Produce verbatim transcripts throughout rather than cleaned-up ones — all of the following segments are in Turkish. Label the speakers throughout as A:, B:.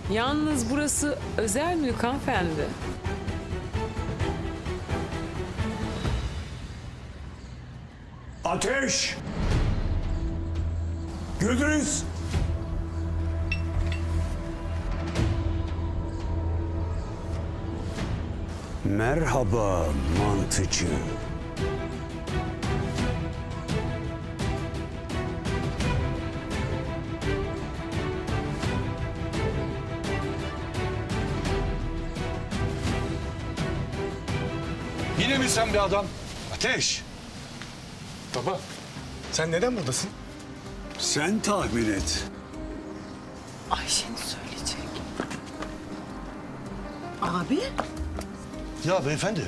A: Yalnız burası özel mülk hanımefendi.
B: Ateş! Güdüz! Merhaba mantıcı.
C: Yine mi sen bir adam? Ateş!
D: Baba, sen neden buradasın?
B: Sen tahmin et.
A: Ayşe'nin söyleyecek.
E: Abi?
C: Ya beyefendi.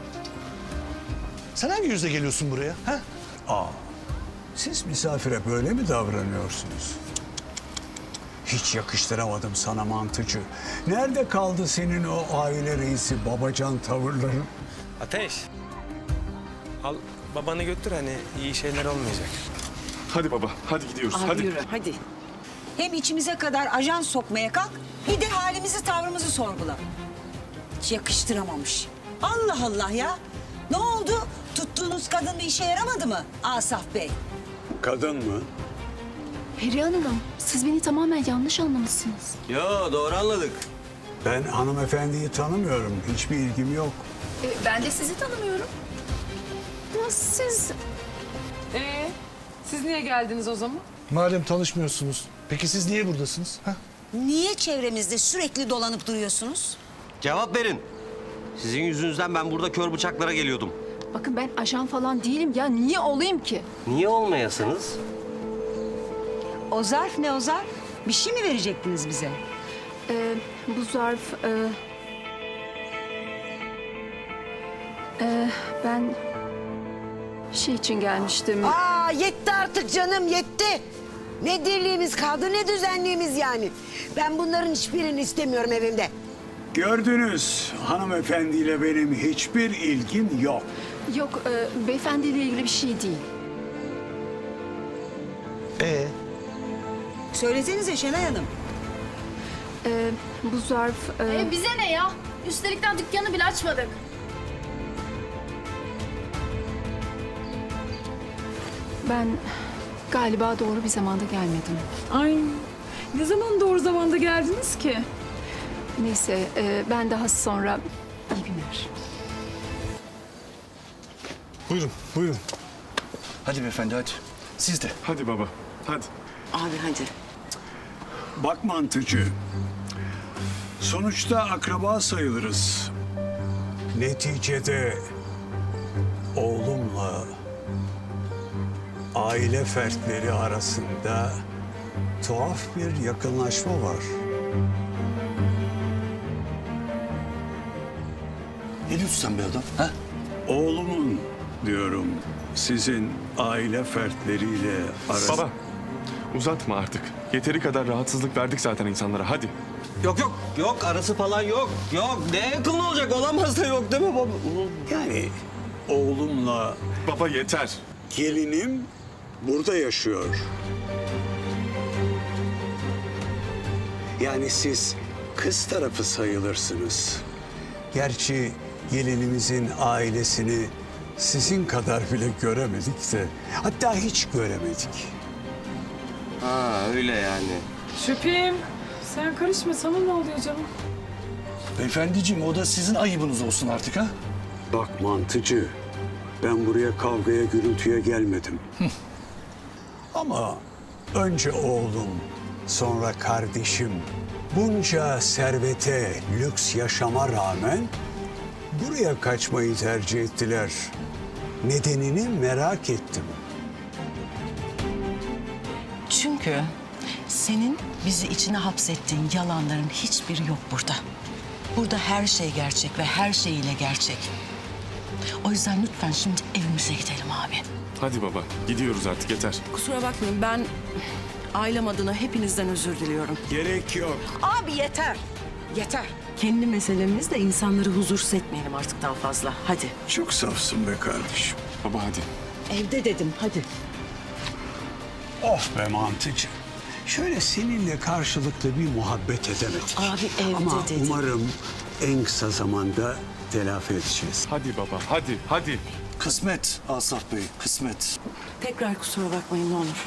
C: Sen hangi yüzle geliyorsun buraya? Ha?
B: Aa, siz misafire böyle mi davranıyorsunuz? Hiç yakıştıramadım sana mantıcı. Nerede kaldı senin o aile reisi babacan tavırların?
D: Ateş. Al babanı götür, hani iyi şeyler olmayacak.
F: Hadi baba, hadi gidiyoruz. hadi.
A: Yürü hadi.
E: Hem içimize kadar ajan sokmaya kalk, bir de halimizi tavrımızı sorgula. Hiç yakıştıramamış. Allah Allah ya. Ne oldu? Tuttuğunuz kadın bir işe yaramadı mı Asaf Bey?
B: Kadın mı?
G: Perihan Hanım, siz beni tamamen yanlış anlamışsınız.
H: Yo, doğru anladık.
B: Ben hanımefendiyi tanımıyorum. Hiçbir ilgim yok.
G: E, ben de sizi tanımıyorum. Ya siz...
A: Ee, siz niye geldiniz o zaman?
C: Madem tanışmıyorsunuz, peki siz niye buradasınız? Ha?
E: Niye çevremizde sürekli dolanıp duruyorsunuz?
H: Cevap verin. Sizin yüzünüzden ben burada kör bıçaklara geliyordum.
G: Bakın ben ajan falan değilim ya. Niye olayım ki?
H: Niye olmayasınız?
E: O zarf ne o zarf? Bir şey mi verecektiniz bize?
G: E, bu zarf... E, e, ben şey için gelmiştim.
I: Aa yetti artık canım yetti. Ne dirliğimiz kaldı ne düzenliğimiz yani. Ben bunların hiçbirini istemiyorum evimde.
B: Gördünüz, hanımefendiyle benim hiçbir ilgim yok.
G: Yok, e, beyefendiyle ilgili bir şey değil.
C: Ee,
E: Söylesenize Şenay Hanım.
G: E, bu zarf... E,
J: E bize ne ya? Üstelikten dükkanı bile açmadık.
G: ben galiba doğru bir zamanda gelmedim.
A: Ay, ne zaman doğru zamanda geldiniz ki?
G: Neyse, e, ben daha sonra... iyi günler.
D: Buyurun, buyurun.
C: hadi beyefendi hadi. Siz de.
F: Hadi baba, hadi.
I: Abi hadi.
B: Bak mantıcı, sonuçta akraba sayılırız. Neticede oğlumla aile fertleri arasında tuhaf bir yakınlaşma var.
C: Ne diyorsun sen be adam? Ha?
B: Oğlumun diyorum sizin aile fertleriyle arası...
F: Baba, uzatma artık. Yeteri kadar rahatsızlık verdik zaten insanlara, hadi.
H: Yok yok, yok arası falan yok. Yok, ne yakın olacak? Olamaz da yok değil mi baba?
B: Yani oğlumla
F: Baba yeter.
B: gelinim burada yaşıyor. Yani siz kız tarafı sayılırsınız. Gerçi gelinimizin ailesini sizin kadar bile göremedik de, hatta hiç göremedik.
H: Ha öyle yani.
A: Şüphim. Sen karışma, sana ne oluyor canım?
C: Beyefendiciğim, o da sizin ayıbınız olsun artık ha?
B: Bak mantıcı, ben buraya kavgaya gürültüye gelmedim. Ama önce oğlum, sonra kardeşim bunca servete, lüks yaşama rağmen buraya kaçmayı tercih ettiler. Nedenini merak ettim.
K: Çünkü senin bizi içine hapsettiğin yalanların hiçbiri yok burada. Burada her şey gerçek ve her şeyiyle gerçek. O yüzden lütfen şimdi evimize gidelim abi.
F: Hadi baba, gidiyoruz artık, yeter.
K: Kusura bakmayın, ben ailem adına hepinizden özür diliyorum.
B: Gerek yok.
I: Abi yeter. Yeter.
K: Kendi meselemizle insanları huzursuz etmeyelim artık daha fazla. Hadi.
B: Çok safsın be kardeşim.
F: Baba hadi.
K: Evde dedim, hadi.
B: Of be mantıcı. Şöyle seninle karşılıklı bir muhabbet edemedik.
K: Abi evde
B: Ama
K: dedi.
B: umarım en kısa zamanda telafi edeceğiz.
F: Hadi baba, hadi, hadi.
C: Kısmet Asaf Bey, kısmet.
K: Tekrar kusura bakmayın ne olur.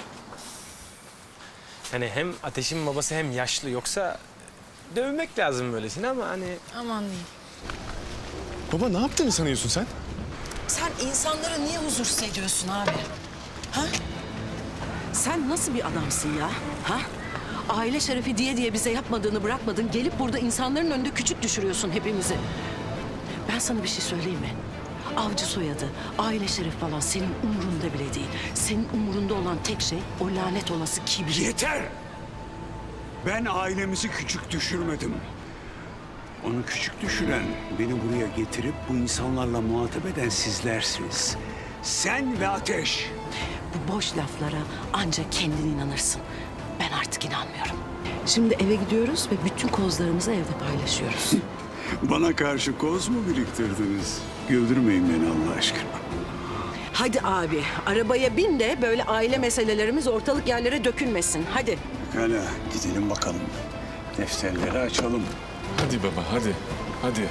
D: Hani hem Ateş'in babası hem yaşlı, yoksa dövmek lazım böylesine ama hani...
J: Aman diyeyim.
F: Baba ne yaptığını sanıyorsun sen?
K: Sen insanlara niye huzursuz ediyorsun abi? Ha? Sen nasıl bir adamsın ya? Ha? Aile şerefi diye diye bize yapmadığını bırakmadın. Gelip burada insanların önünde küçük düşürüyorsun hepimizi. Ben sana bir şey söyleyeyim mi? Avcı soyadı, aile şeref falan senin umurunda bile değil. Senin umurunda olan tek şey o lanet olası kibir.
B: Yeter! Ben ailemizi küçük düşürmedim. Onu küçük düşüren, beni buraya getirip bu insanlarla muhatap eden sizlersiniz. Sen ve Ateş.
K: Bu boş laflara ancak kendin inanırsın. Ben artık inanmıyorum. Şimdi eve gidiyoruz ve bütün kozlarımızı evde paylaşıyoruz.
B: Bana karşı koz mu biriktirdiniz? Güldürmeyin beni Allah aşkına.
K: Hadi abi, arabaya bin de böyle aile meselelerimiz ortalık yerlere dökülmesin. Hadi.
B: Hala gidelim bakalım. Defterleri açalım.
F: Hadi baba, hadi, hadi.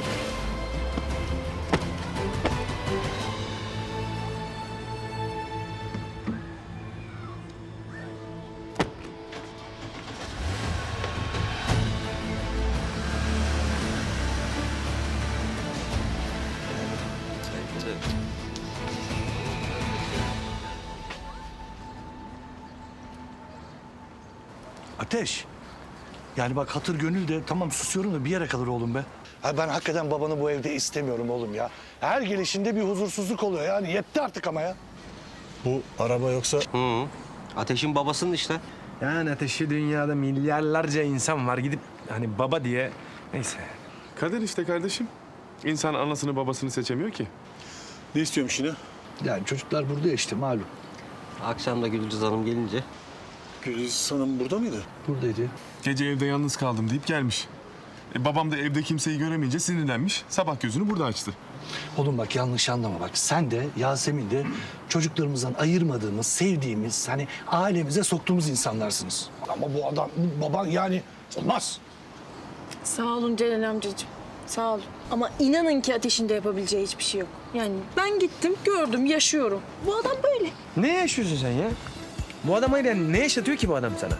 C: Ateş. Yani bak hatır gönül de tamam susuyorum da bir yere kadar oğlum be. Ha ben hakikaten babanı bu evde istemiyorum oğlum ya. Her gelişinde bir huzursuzluk oluyor yani yetti artık ama ya. Bu araba yoksa...
H: Hı. Ateş'in babasının işte.
D: Yani Ateş'i dünyada milyarlarca insan var, gidip hani baba diye... Neyse.
F: Kader işte kardeşim. İnsan anasını babasını seçemiyor ki.
C: Ne istiyorum şimdi? Yani çocuklar burada ya işte malum.
H: Akşam da Gülcüz Hanım gelince.
C: Gülüz Hanım burada mıydı? Buradaydı.
F: Gece evde yalnız kaldım deyip gelmiş. E, babam da evde kimseyi göremeyince sinirlenmiş. Sabah gözünü burada açtı.
C: Oğlum bak yanlış anlama bak. Sen de Yasemin de çocuklarımızdan ayırmadığımız, sevdiğimiz, hani ailemize soktuğumuz insanlarsınız. Ama bu adam, bu baban yani olmaz.
J: Sağ olun Celal amcacığım. Sağ olun. Ama inanın ki Ateş'in de yapabileceği hiçbir şey yok. Yani ben gittim, gördüm, yaşıyorum. Bu adam böyle.
D: Ne yaşıyorsun sen ya? Bu adam hayır yani, ne yaşatıyor ki bu adam sana?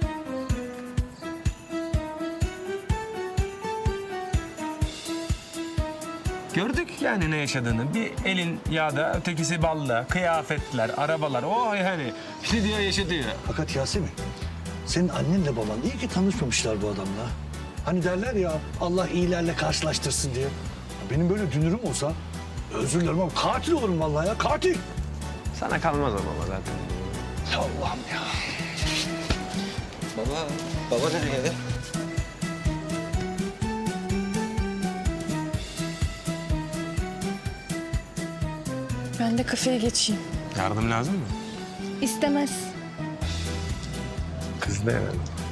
D: Gördük yani ne yaşadığını. Bir elin yağda, ötekisi balda, kıyafetler, arabalar. O yani bir diyor yaşatıyor.
C: Fakat Yasemin, senin annenle baban iyi ki tanışmamışlar bu adamla. Hani derler ya Allah iyilerle karşılaştırsın diye. Benim böyle dünürüm olsa özür dilerim ama katil olurum vallahi ya katil.
D: Sana kalmaz ama zaten.
C: Ya Allah'ım ya.
H: Baba, baba nereye?
J: Ben de kafeye geçeyim.
D: Yardım lazım mı?
J: İstemez.
D: Kız da hemen.